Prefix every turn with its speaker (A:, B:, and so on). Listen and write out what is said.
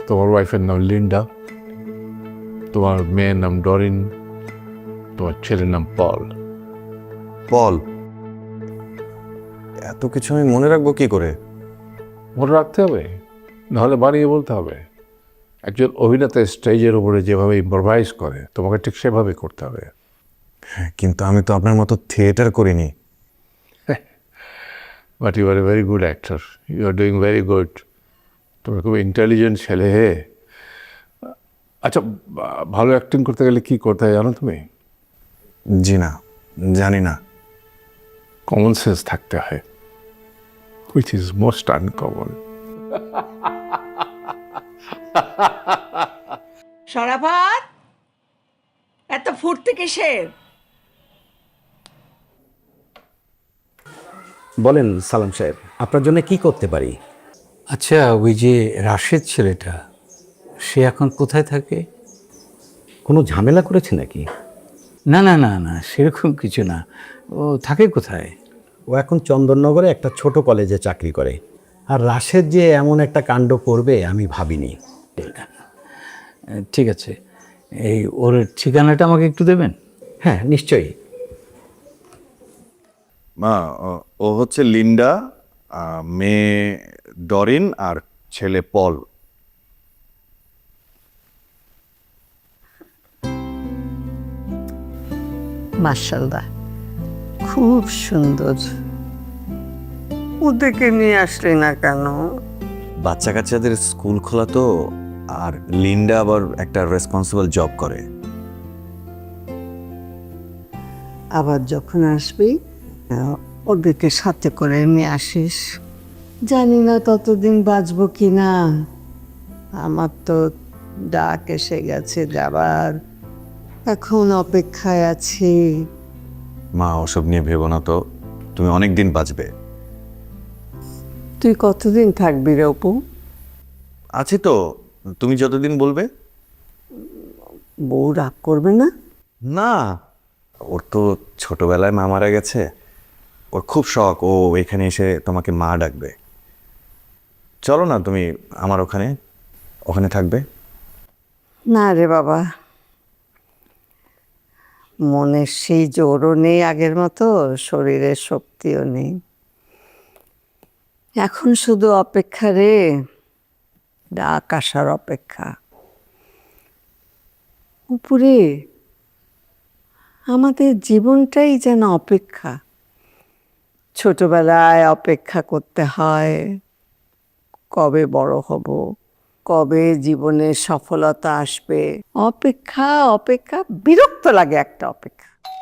A: তোমার ওয়াইফের নাম লিন্ডা, তোমার মেয়ের নাম ডরিন, তোমার ছেলের নাম পল।
B: পল? এত কিছু আমি মনে রাখবো কি করে?
A: মনে রাখতে হবে, নাহলে বানিয়ে বলতে হবে। একজন অভিনেতা স্টেজের উপরে যেভাবে ইম্প্রোভাইজ করে তোমাকে ঠিক সেভাবে করতে হবে।
B: কিন্তু আমি তো আপনার মতো থিয়েটার করিনি।
A: But you are a very good actor, you are doing very good. তুমি খুব ইন্টেলিজেন্ট ছেলে হে। আচ্ছা, ভালো অ্যাক্টিং করতে গেলে কি করতে হয় জানো তুমি?
B: জি না, জানি না।
A: কমন সেন্স থাকতে হয়, which is most uncommon.
C: Sarafat, এত ফুর্তি কিসের?
D: বলেন সালাম সাহেব, আপনার জন্য কি করতে পারি?
E: আচ্ছা, ওই যে রাশেদ ছেলেটা, সে এখন কোথায় থাকে?
D: কোনো ঝামেলা করেছে নাকি?
E: না না না না, সেরকম কিছু না। ও থাকে কোথায়?
D: ও এখন চন্দননগরে একটা ছোট কলেজে চাকরি করে। আর রাশেদ যে এমন একটা কাণ্ড করবে আমি ভাবিনি।
E: ঠিক আছে, এই ওর ঠিকানাটা আমাকে একটু দেবেন?
D: হ্যাঁ, নিশ্চয়ই।
B: মা, ও হচ্ছে লিন্ডা, মেয়ে ডরিন আর ছেলে পল।
C: মাশাআল্লাহ, খুব সুন্দর। ওদেরকে নিয়ে আসলি না কেন?
B: বাচ্চা কাচ্চাদের স্কুল খোলা তো, আর লিন্ডা আবার একটা রেসপন্সিবল জব করে।
C: আবার যখন আসবি ওদেরকে সাথে করে নিয়ে আসিস। জানি না ততদিন বাঁচবো কি না। আমার তো ডাক এসে গেছে যাবার, এখন অপেক্ষায় আছি।
B: মা, ওসব নিয়ে ভেবো না তো, তুমি অনেক দিন বাঁচবে।
C: তুই কতদিন থাকবি রে অপু?
B: আছি তো, তুমি যতদিন বলবে।
C: বউ রাগ করবে না?
B: না, ওর তো ছোটবেলায় মা মারা গেছে। ওর খুব শখ ও এখানে এসে তোমাকে মা ডাকবে। চলো না, তুমি আমার ওখানে ওখানে থাকবে।
C: না রে বাবা, মনের সেই জোরও নেই আগের মতো, শরীরের শক্তিও নেই। এখন শুধু অপেক্ষা রে, ডাক আসার অপেক্ষা। উপরে আমাদের জীবনটাই যেন অপেক্ষা। ছোটবেলায় অপেক্ষা করতে হয় কবে বড় হব, কবে জীবনে সফলতা আসবে। অপেক্ষা অপেক্ষা, বিরক্ত লাগে একটা অপেক্ষা।